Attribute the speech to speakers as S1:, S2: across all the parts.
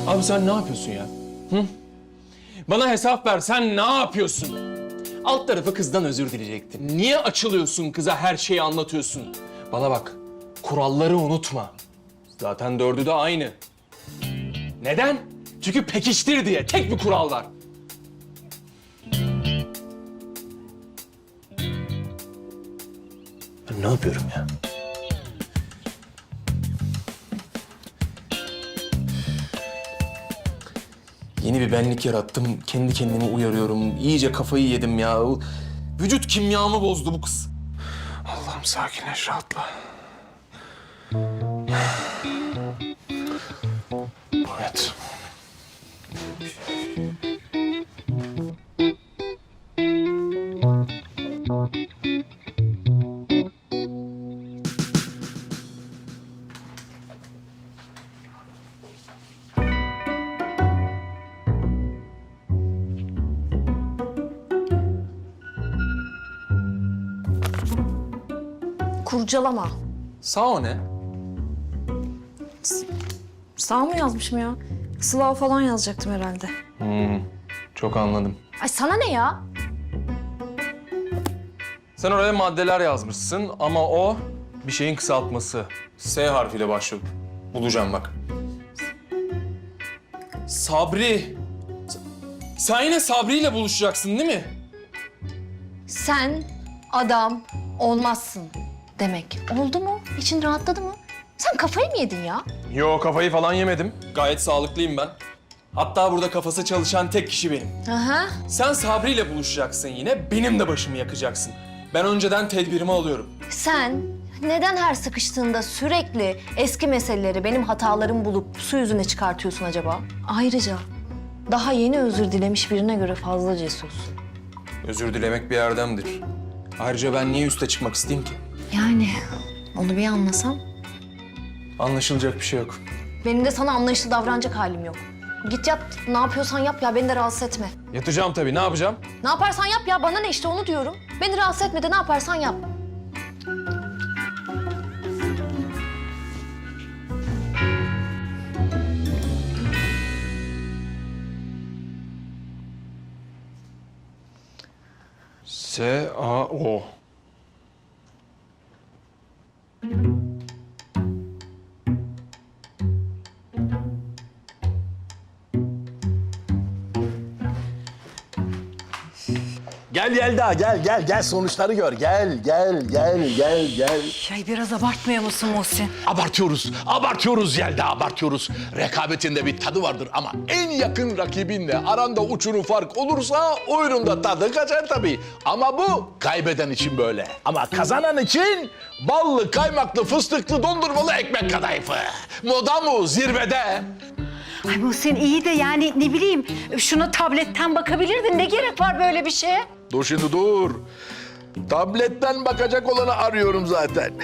S1: Abi sen ne yapıyorsun ya? Hı? Bana hesap ver, sen ne yapıyorsun? Alt tarafı kızdan özür dileyecektin. Niye açılıyorsun kıza, her şeyi anlatıyorsun? Bana bak, kuralları unutma. Zaten dördü de aynı. Neden? Çünkü pekiştir diye, tek bir kural var. Ben ne yapıyorum ya? Yeni bir benlik yarattım. Kendi kendimi uyarıyorum. İyice kafayı yedim ya. Vücut kimyamı bozdu bu kız. Allah'ım sakinleş, rahatla. Evet.
S2: Kurcalama.
S1: Sağ o ne?
S2: Sağ mı yazmışım ya? Sıla falan yazacaktım herhalde.
S1: Çok anladım.
S2: Ay sana ne ya?
S1: Sen oraya maddeler yazmışsın ama o bir şeyin kısaltması. S harfiyle başlıyor. Bulacağım bak. Sabri. Sen yine Sabri ile buluşacaksın değil mi?
S2: Sen adam olmazsın demek. Oldu mu? İçin rahatladı mı? Sen kafayı mı yedin ya?
S1: Yo, kafayı falan yemedim. Gayet sağlıklıyım ben. Hatta burada kafası çalışan tek kişi benim.
S2: Aha.
S1: Sen Sabri ile buluşacaksın yine, benim de başımı yakacaksın. Ben önceden tedbirimi alıyorum.
S2: Sen neden her sıkıştığında sürekli eski meseleleri benim hatalarımı bulup su yüzüne çıkartıyorsun acaba? Ayrıca daha yeni özür dilemiş birine göre fazla cesursun.
S1: Özür dilemek bir erdemdir. Ayrıca ben niye üste çıkmak isteyeyim ki?
S2: Yani onu bir anlasam.
S1: Anlaşılacak bir şey yok.
S2: Benim de sana anlayışlı davranacak halim yok. Git yat, ne yapıyorsan yap ya, beni de rahatsız etme.
S1: Yatacağım tabii, ne yapacağım?
S2: Ne yaparsan yap ya, bana ne işte onu diyorum. Beni rahatsız etme de ne yaparsan yap.
S1: S-A-O.
S3: Gel Yelda, gel sonuçları gör. Gel.
S4: Ay biraz abartmıyor musun Muhsin?
S3: Abartıyoruz Yelda, abartıyoruz. Rekabetinde bir tadı vardır ama en yakın rakibinle aranda uçurum fark olursa oyunun da tadı kaçar tabii. Ama bu kaybeden için böyle. Ama kazanan için ballı, kaymaklı, fıstıklı, dondurmalı ekmek kadayıfı. Moda mu zirvede?
S4: Ay Muhsin iyi de yani ne bileyim şuna tabletten bakabilirdin. Ne gerek var böyle bir şeye?
S3: Dur şimdi dur. Tabletten bakacak olanı arıyorum zaten.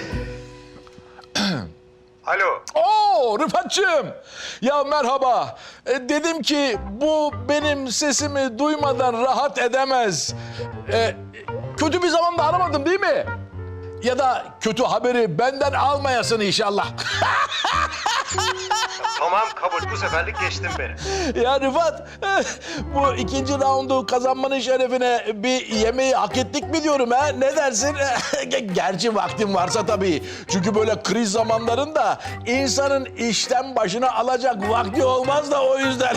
S5: Alo.
S3: Oo Rıfat'cığım. Ya merhaba. Dedim ki bu benim sesimi duymadan rahat edemez. Kötü bir zamanda aramadım değil mi? Ya da kötü haberi benden almayasın inşallah.
S5: Tamam kabul. Bu seferlik geçtim beni.
S3: Ya Rıfat, bu ikinci raundu kazanmanın şerefine bir yemeği hak ettik mi diyorum ha? Ne dersin? Gerçi vaktin varsa tabii. Çünkü böyle kriz zamanlarında insanın işten başına alacak vakti olmaz da o yüzden.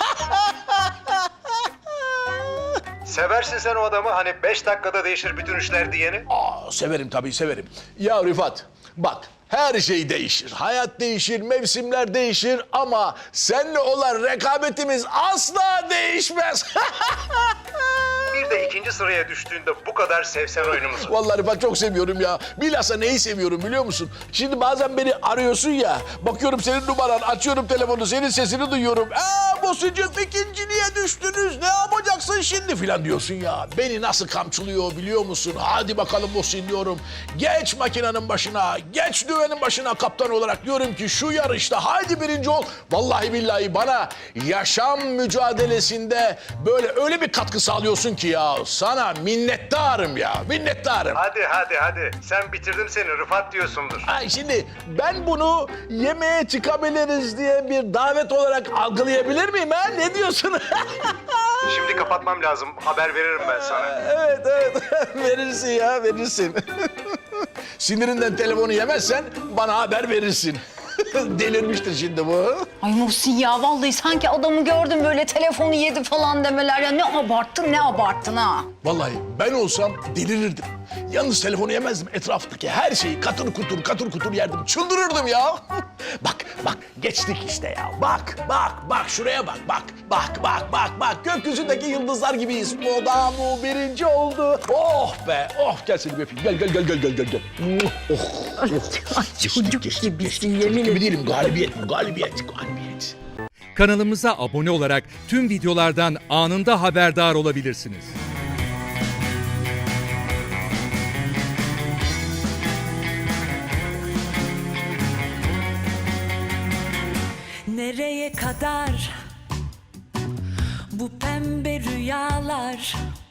S5: Seversin sen o adamı. Hani 5 dakikada değişir bütün işler diyeni.
S3: Severim tabii severim. Ya Rıfat bak her şey değişir. Hayat değişir, mevsimler değişir ama seninle olan rekabetimiz asla değişmez.
S5: Bir de ikinci sıraya düştüğünde bu kadar sevsen oyunumuzu.
S3: Vallahi Rıfat çok seviyorum ya. Bilhassa neyi seviyorum biliyor musun? Şimdi bazen beni arıyorsun ya. Bakıyorum senin numaran, açıyorum telefonu, senin sesini duyuyorum. Bosucuğum ikinciliğe düştünüz. Ne yapacaksın şimdi filan diyorsun ya. Beni nasıl kamçılıyor biliyor musun? Hadi bakalım Muhsin diyorum. Geç makinenin başına, geç düvenin başına kaptan olarak diyorum ki şu yarışta haydi birinci ol. Vallahi billahi bana yaşam mücadelesinde böyle öyle bir katkı sağlıyorsun ki ki ya. Sana minnettarım ya. Minnettarım.
S5: Hadi. Sen bitirdim seni Rıfat diyorsundur.
S3: Ay şimdi ben bunu yemeğe çıkabiliriz diye bir davet olarak algılayabilir miyim ha? Ne diyorsun?
S5: Şimdi kapatmam lazım. Haber veririm ben sana.
S3: Evet. Verirsin ya, verirsin. Sinirinden telefonu yemezsen bana haber verirsin. Delirmiştir şimdi bu.
S4: Ay Muhsin ya vallahi sanki adamı gördüm böyle telefonu yedi falan demeler ya. Ne abarttın ha.
S3: Vallahi ben olsam delirirdim. Yalnız telefonu yemezdim. Etraftaki her şeyi katır kutur yerdim. Çıldırırdım ya. Bak geçtik işte ya. Bak şuraya bak. Bak. Gökyüzündeki yıldızlar gibiyiz. Moda mu birinci oldu. Oh be. Oh gel seni bir öpeyim. Gel. Çocuk gibisin yemin ederim. Değilim. Galibiyet.
S6: Kanalımıza abone olarak tüm videolardan anında haberdar olabilirsiniz.
S7: Nereye kadar bu pembe rüyalar?